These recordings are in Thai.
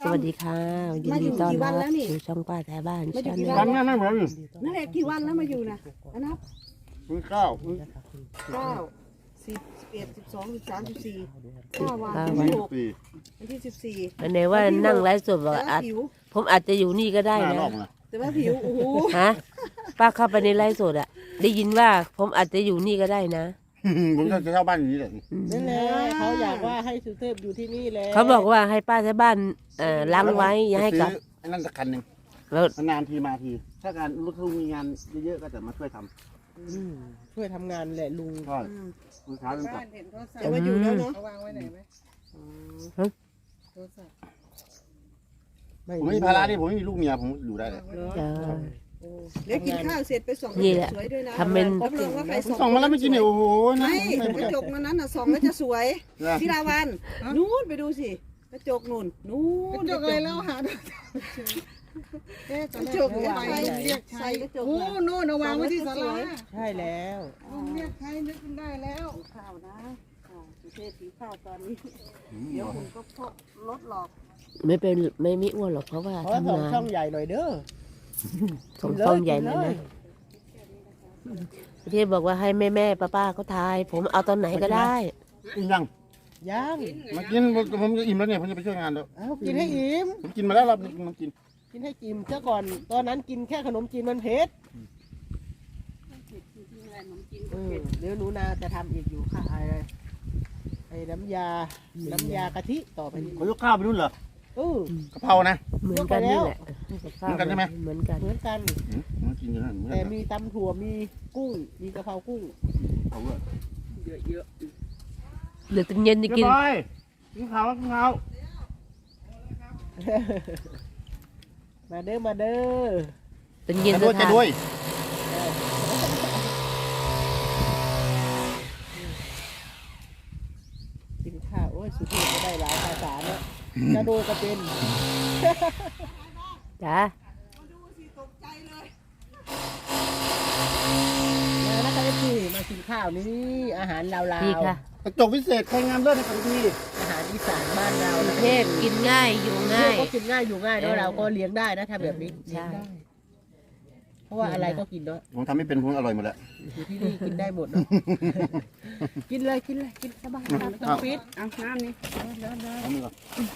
สวัสดีค่ะยินดีต้อนรับสู่ช่องป้าแถวบ้านชาแนลวันนั้นนั่นเหมือนนั่นแหละกี่วันแล้วมาอยู่นะอันนับวันเก้า 9 10 11 12 13 14 5 วันที่ 6 วันที่ 14 อันไหนว่านั่งไลฟ์สดบอกอาจผมอาจจะอยู่นี่ก็ได้หน้านะรอบนะแต่ว่าผิวโอ้โหฮะป้าเข้าไปในไลฟ์สดอะได้ยินว่าผมอาจจะอยู่นี่ก็ได้นะผมจะเช่าบ้านอย่างนี้แหละนั่นแหละเขาอยากว่าให้สุเทพอยู่ที่นี่แหละเขาบอกว่าให้ป้าแถวบ้านล้างไว้อย่าให้กลับซื้อไอ้นั่นสักคันหนึ่งแล้วนานทีมาที ถ้าการรถลุงมีงานเยอะๆก็จะมาช่วยทช่วยทำงานแหละลุงำใช่ลูกค้าเป็นกลับแต่ว่าอยู่แล้วเนาะเขาวางไว้ไหนไหมผมไม่มีภาระนี่ผมไม่มีลูกเมียผมอยู่ได้เลยจะเดี๋ยวกินข้าวเสร็จไปส่องนี่แหละสวยด้วยนะทำเป็นรับรองว่าใครส่องมาแล้วไม่กินเนี่ยโอ้โหนะไม่กระจกนั้นน่ะส่องแล้วจะสวยพี่ราวันนู้นไปดูสิกระจกนู่นนู้นจกอะไรแล้วหากระจกเนี่ยใส่กระจกโอ้น่ะโน่นเอาวางไว้ที่ศาลาใช่แล้วเรียกใครนึกขึ้นได้แล้วข้าวนะสุเทพสีข้าวตอนนี้เดี๋ยวคุณก็พกรถหลอกไม่มีอ้วนหรอกเพราะว่าเพราะว่าทำสองงานช่องใหญ่หน่อยเด้อส่งช่องใหญ่เลยนะที่บอกว่าให้แม่ป้าเขาทาย ผมเอาตอนไหนก็ได้กินยังย่างมากินผมจะอิ่มแล้วเนี่ยผมจะไปช่วยงานแล้วเอากินให้อิ่มผมกินมาแล้วรอบนึงมันกินกินให้อิ่มเจ้าก่อนตอนนั้นกินแค่ขนมจีนมันเผ็ดเดี๋ยวหนูนาจะทำอีกอยู่ค่ะไอ้น้ำยากะทิต่อไปนี้เขายกข้าวไปนู่นเหรอกะเพรานะเหมือนกันนี่แหละเหมือนกันใช่ไหมเหมือนกันเหมือนกันมากินอยู่นั่นเหมือนแต่กันมีตำถั่วมีกุ้งมีกะเพรากุ้งเขาด้วยเยอะเหลือตั้งเย็นจะกินกินข้าวกินข้าวมาเด้อมาเด้อตั้งเย็นจะจะด้วยจะทานด้วยกินข้าวโอ้ยสุดที่ก็ได้หลายภาษาเนาะจะโดยก็เป็นจ้ามาแล้วก็ได้ที่มากินข้าวนี่อาหารลาวพี่ค่ะกระจกพิเศษใครงามเลิศในของพี่ๆอาหารอีสานบ้านเรากรุงเทพกินง่ายอยู่ง่ายก็กินง่ายอยู่ง่ายเนาะเราก็เลี้ยงได้นะทำแบบนี้ใช่เลี้ยงได้เพราะว่าอะไรก็กินเนาะผมทำไม่เป็นผมอร่อยหมดแล้วอยู่ที่นี่กินได้หมดเนาะ กินเลยกินสบายไม่ต้องฟิตๆเอาน้ำนี่เอามือก่อน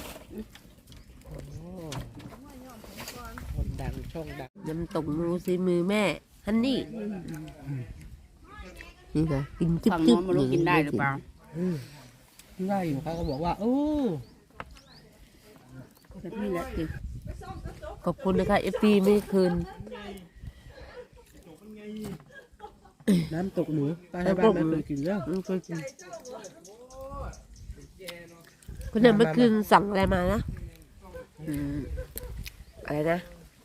คนดังช่องดังน้ำตกนูซีมือแม่ฮันนี่นี่ค่ะกินจุ๊บฝั่งจุ๊โน้บนไม่รู้กินได้หรือเปล่าได้อยู่เขาก็บอกว่าโอ้แต่นี่แหละจริงขอบคุณนะคะเอฟซีไม่คืนน้ำตกหนูตาให้บ้านไม่เคยกินแล้วไม่เคยกินคนนั้นเมื่อคืนสั่งอะไรมานะอะไรนะ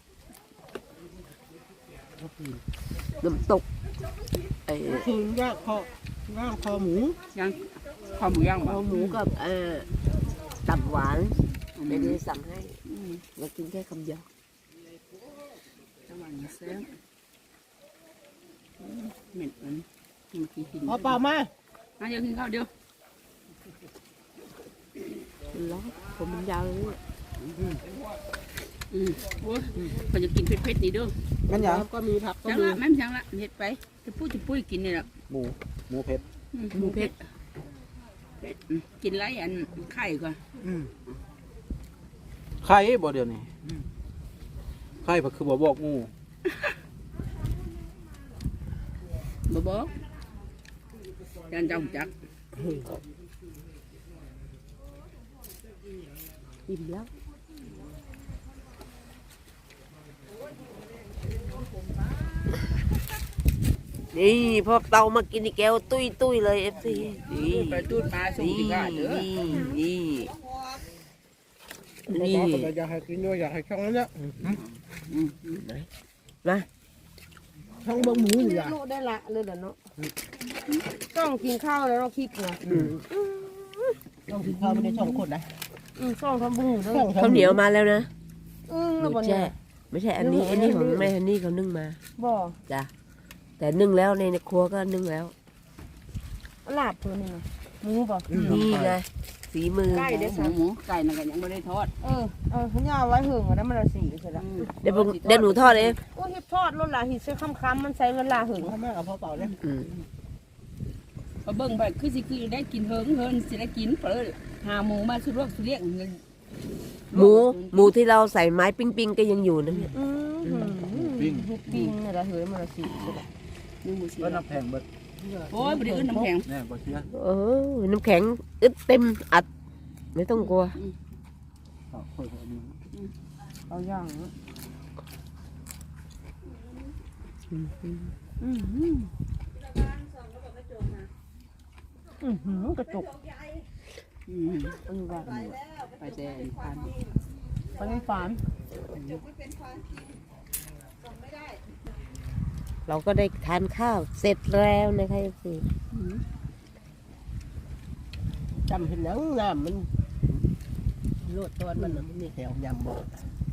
น้ำตกไอ้คือย่างคอหมูยังข้าวหมูย่างเอาหมูกับตับหวานไม่ได้สั่งให้เรากินแค่คำเดียวระหว่างเส้นเหม็นมันเมื่อกี้กินพอเปล่ามาเดี๋ยวกินข้าวเดียวร้อนผมมันยาวเลยโอ้ยเขาจะกินเผ็ดๆนี่เด้อมันอย่างก็มีผักก็จังมีละแม่จังละเผ็ดไปจะปุ้ยกินนี่แหละหมูเผ็ดหมูเผ็ดกินไรอันไข่ก่อนไข่บ่เดี๋ยวนี้ไข่ก็คือบ่บอกงูบ่บอกจันจังจักอิ่มแล้ว นี่พอเตามากินอีกแก้วตุ้ยเลยเอฟซีนี่ไปตูดปลาส่งกินได้เด้อนี่เราอยากให้กินด้วยอยากให้ช่องนั้นเนี่ยนะช่องเบิ้งหมูอยู่อ่ะโลได้ละเลยเดี๋ยวเนาะต้องกินข้าวแล้วเราคิดไงต้องกินข้าวไม่ได้ช่องคนนะช่องทำบุญอยู่เนาะข้าวเหนียวมาแล้วนะแล้วไม่วันใช่นี้ไม่ใช่อันนี้ของแม่ฮันนี่เขานึ่งมาบ่จ้ะแต่นึ่งแล้วในครัวก็นึ่งแล้วลาบตัวนี้นะหมูบ่นี่ไงฝีมือไก่เด้อหมูไก่นั่นก็ยังบ่ได้ทอดเขาย่าไว้หึงอันนั้นมันละ4ใช่ละเดี๋ยวหนูทอดเองโอ้เฮ็ดทอดรุ่นละหิใส่ค้ำๆมันใส่เวลาหึงทำไมเอาพอเป่าเลยพอเบิ่งไปคือสิคือได้กินเฮิงสิได้กินเปิ้ลหาหมูมาสุรวกสุเรียกหมูที่เราใส่ไม้ปิ้งๆก็ยังอยู่นะเนี่ยปิ้งเฮ็ดปิ้งนี่ละเฮ้ยมันละ4ใช่ละนึงบ่สิก็น้ำแข็งเบิดโอ้ยบ่ได้อื่นน้ำแข็งแน่บ่เชื่อเออน้ำแข็งอึดเต็มอัด ไม่ต้องกลัวเอาค่อยเอามือเอาย่างกระจกว่าไปแต่พันตอนนี้ฝานเราก็ได้ทานข้าวเสร็จแล้วนะคะสิจำเห็นหนังน้ำมันโลดตอนมันน่ะมันมีแถวยำบ่